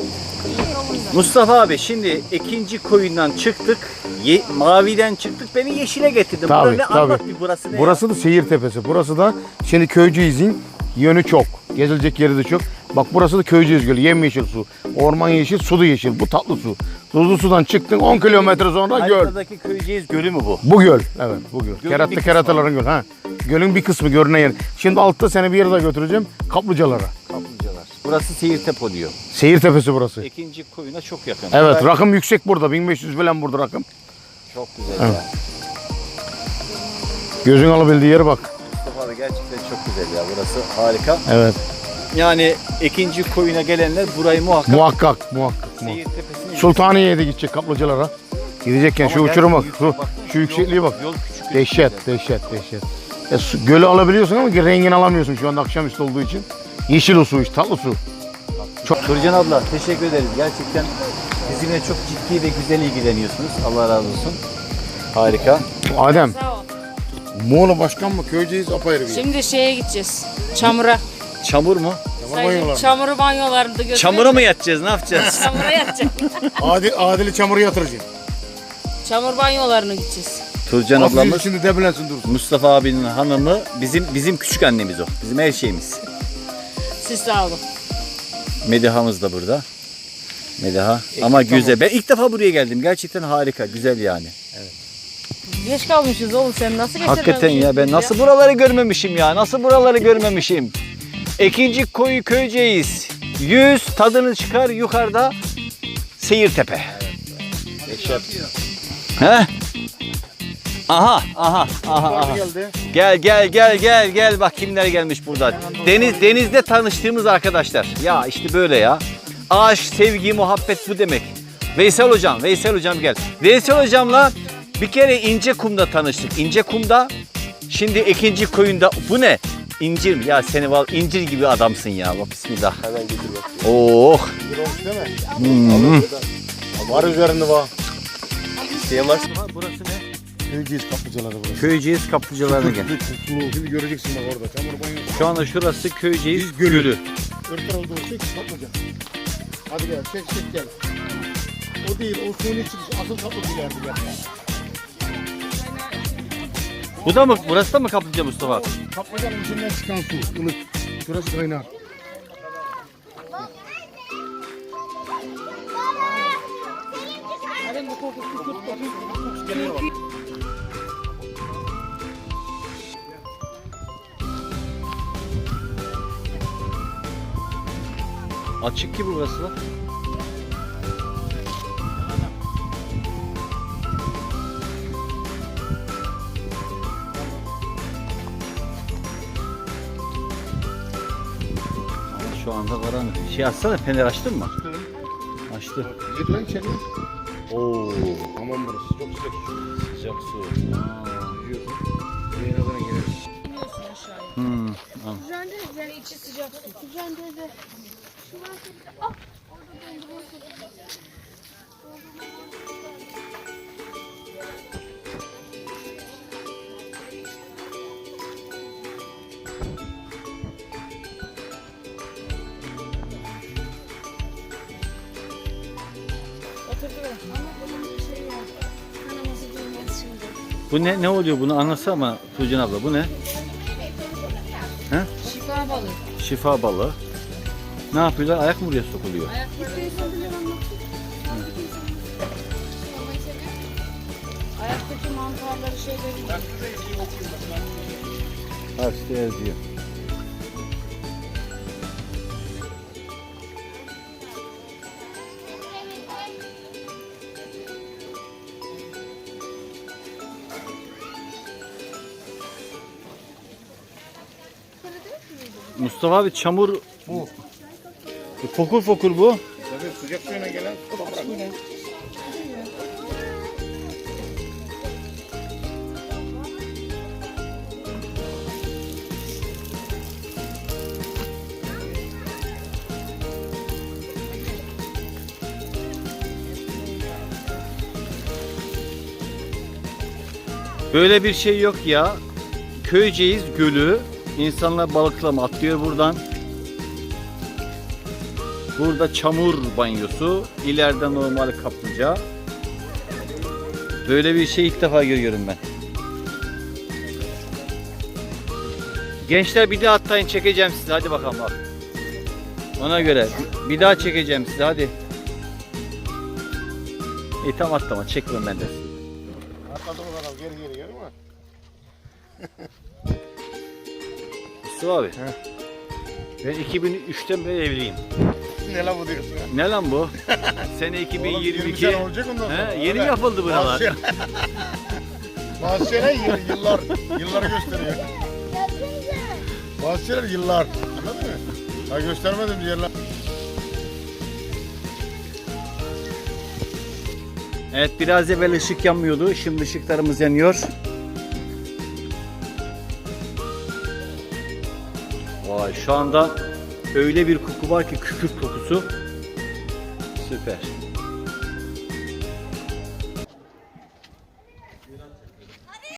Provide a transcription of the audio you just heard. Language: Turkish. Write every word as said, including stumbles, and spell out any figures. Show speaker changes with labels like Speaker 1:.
Speaker 1: Mustafa abi şimdi ikinci koyundan çıktık. Ye, maviden çıktık. Beni yeşile getirdin.
Speaker 2: Tabii,
Speaker 1: Burada ne
Speaker 2: tabii.
Speaker 1: anlat bir burası ne?
Speaker 2: Burası
Speaker 1: ya?
Speaker 2: da Seyir Tepesi. Burası da şimdi Köyceğiz'in yönü çok. Gezilecek yeri de çok. Bak burası da Köyceğiz Gölü. Yemyeşil su. Orman yeşil, su da yeşil. Bu tatlı su. Tuzlu sudan çıktın on kilometre sonra göl.
Speaker 1: Haritada Köyceğiz Gölü mü bu?
Speaker 2: Bu göl. Evet bu göl.
Speaker 1: Gölün bir
Speaker 2: Keratlı
Speaker 1: kısmı.
Speaker 2: kerataların gölü. Ha. Gölün bir kısmı görünen yer. Şimdi altta seni bir yere daha götüreceğim. Kaplıcalara.
Speaker 1: Kaplıcalar. Burası Seyirtepe oluyor.
Speaker 2: Seyir Tepesi burası.
Speaker 1: İkinci koyuna çok yakın.
Speaker 2: Evet
Speaker 1: Burası
Speaker 2: rakım yüksek burada. bin beş yüz falan burada rakım.
Speaker 1: çok güzel
Speaker 2: Evet.
Speaker 1: ya.
Speaker 2: Gözün alabildiği yere bak.
Speaker 1: Mustafa abi gerçekten çok güzel ya. Burası harika.
Speaker 2: Evet.
Speaker 1: Yani ikinci koyuna gelenler burayı muhakkak
Speaker 2: Muhakkak muhakkak. muhakkak.
Speaker 1: Seyirtepe'sine
Speaker 2: Sultaniye'ye de gidecek kaplıcalara. Gidecekken şu
Speaker 1: Ama
Speaker 2: uçuruma bak.
Speaker 1: gerçekten
Speaker 2: Şu,
Speaker 1: yüksek,
Speaker 2: şu yüksekliğe bak.
Speaker 1: Yol küçük.
Speaker 2: Dehşet, dehşet, dehşet. Ya, su, gölü alabiliyorsun ama rengini alamıyorsun şu anda akşamüstü olduğu için. Yeşil o su iş, tatlı su.
Speaker 1: Çok. Turcan abla teşekkür ederiz. Gerçekten bizimle çok ciddi ve güzel ilgileniyorsunuz. Allah razı olsun. Harika.
Speaker 2: Adem,
Speaker 3: Sağ ol.
Speaker 2: Muğla başkan mı? Köyceğiz apayrı bir yer.
Speaker 3: Şimdi şeye gideceğiz. Çamura.
Speaker 1: Çamur mu?
Speaker 2: Tamam, banyolar.
Speaker 3: Çamur banyolarında götürelim.
Speaker 1: Çamura mı yatacağız? Ne yapacağız?
Speaker 3: Çamura yatacak.
Speaker 2: Adil, Adil'i çamura yatıracaksın.
Speaker 3: Çamur banyolarına gideceğiz.
Speaker 1: Turcan
Speaker 2: Nasıl
Speaker 1: ablamız
Speaker 2: şimdi debelensin dursun.
Speaker 1: Mustafa abinin hanımı bizim bizim küçük annemiz o. Bizim her şeyimiz.
Speaker 3: Siz sağ olun.
Speaker 1: Medihamız da burada. Mediha. Ama güzel. Ben ilk defa buraya geldim. Gerçekten harika. Güzel yani.
Speaker 3: Geç kalmışız oğlum, sen nasıl getirmemişsin?
Speaker 1: Hakikaten ya ben nasıl buraları görmemişim ya. Nasıl buraları görmemişim. İkinci koyu Köyceğiz. Yüz tadını çıkar yukarıda Seyirtepe. He? Aha, aha, aha, aha. Gel gel gel gel gel bak kimler gelmiş burada. Deniz denizde tanıştığımız arkadaşlar. Ya işte böyle ya. Aşk, sevgi, muhabbet bu demek. Veysel hocam, Veysel hocam gel. Veysel hocamla bir kere İncekum'da tanıştık. İncekum'da şimdi ikinci koyunda bu ne? İncir mi? Ya seni val incir gibi adamsın ya. Bak bismillah.
Speaker 2: Hemen getir bak.
Speaker 1: Oh.
Speaker 2: Değil mi?
Speaker 1: Hmm.
Speaker 2: Var üzerinde var.
Speaker 1: Şey var. Burası ne?
Speaker 2: Köyceğiz kaplıcaları burası.
Speaker 1: Köyceğiz kaplıcalarına gel.
Speaker 2: Sulu. Şimdi göreceksin bak orada. Çamur banyosu.
Speaker 1: Şu anda şurası Köyceğiz
Speaker 2: Biz gölü.
Speaker 1: Gölü.
Speaker 2: Öbür tarafa doğru çek kaplıca. Hadi gel çek çek gel. O değil o suyun içi asıl kaplıca ileride gel.
Speaker 1: Bu da mı? Burası da mı kaplıca Mustafa abi?
Speaker 2: Kaplıcanın içinden çıkan su ılık. Şurası kaynar.
Speaker 1: Açık gibi burası lan. Ama şu anda karanlık. Şey açsana, fener açtın mı? Açtı.
Speaker 2: Git lan içeri.
Speaker 1: Oo,
Speaker 2: Aman burası çok sıcak.
Speaker 1: sıcak su.
Speaker 2: Yüzüyorsun. Yayına kadar gireriz.
Speaker 1: Hmm. al.
Speaker 4: Yani içi sıcak su. Güzel de. Şu var. Ah! Orada dondurma. Şey ya. Kanaması durmaz şimdi.
Speaker 1: Bu ne ne oluyor bunu anlatsana ama Tuğcan abla bu ne?
Speaker 3: Şifa balığı.
Speaker 1: Şifa balığı. Ne yapıyorlar? Ayak mı buraya sokuluyor?
Speaker 3: Ayaktaki mantarları şeyleri.
Speaker 1: Harçta yazıyor. Mustafa abi çamur
Speaker 2: Bu.
Speaker 1: fokur fokur bu.
Speaker 2: Tabii sıcak suyuna gelen toprak.
Speaker 1: Böyle bir şey yok ya. Köyceğiz Gölü. İnsanlar balıklama atlıyor buradan. Burada çamur banyosu. İleride normal kaplıca. Böyle bir şey ilk defa görüyorum ben. Gençler bir daha atlayın, çekeceğim sizi. Hadi bakalım bak. Ona göre bir daha çekeceğim sizi, hadi. İyi tam atlama, çekmem ben de.
Speaker 2: Atladım bakalım geri geri geri mi?
Speaker 1: Mustafa abi. Ben iki bin üçten beri evliyim.
Speaker 2: Ne lan bu diyorsun ya?
Speaker 1: Ne lan bu? Sene iki bin yirmi iki.
Speaker 2: Oğlum, yirmi sene olacak ondan sonra.
Speaker 1: He, yeni
Speaker 2: Öyle.
Speaker 1: yapıldı buralar.
Speaker 2: Bazı şeyler- Bazı şeyler yıl- yıllar, yıllar gösteriyor.
Speaker 4: Gelsenize.
Speaker 2: Bazı şeyler yıllar. Anladın mı? Ha göstermedim diyorlar.
Speaker 1: Evet, biraz evvel ışık yanmıyordu. Şimdi ışıklarımız yanıyor. Vay, şu anda öyle bir koku var ki, kükürt kokusu. Süper.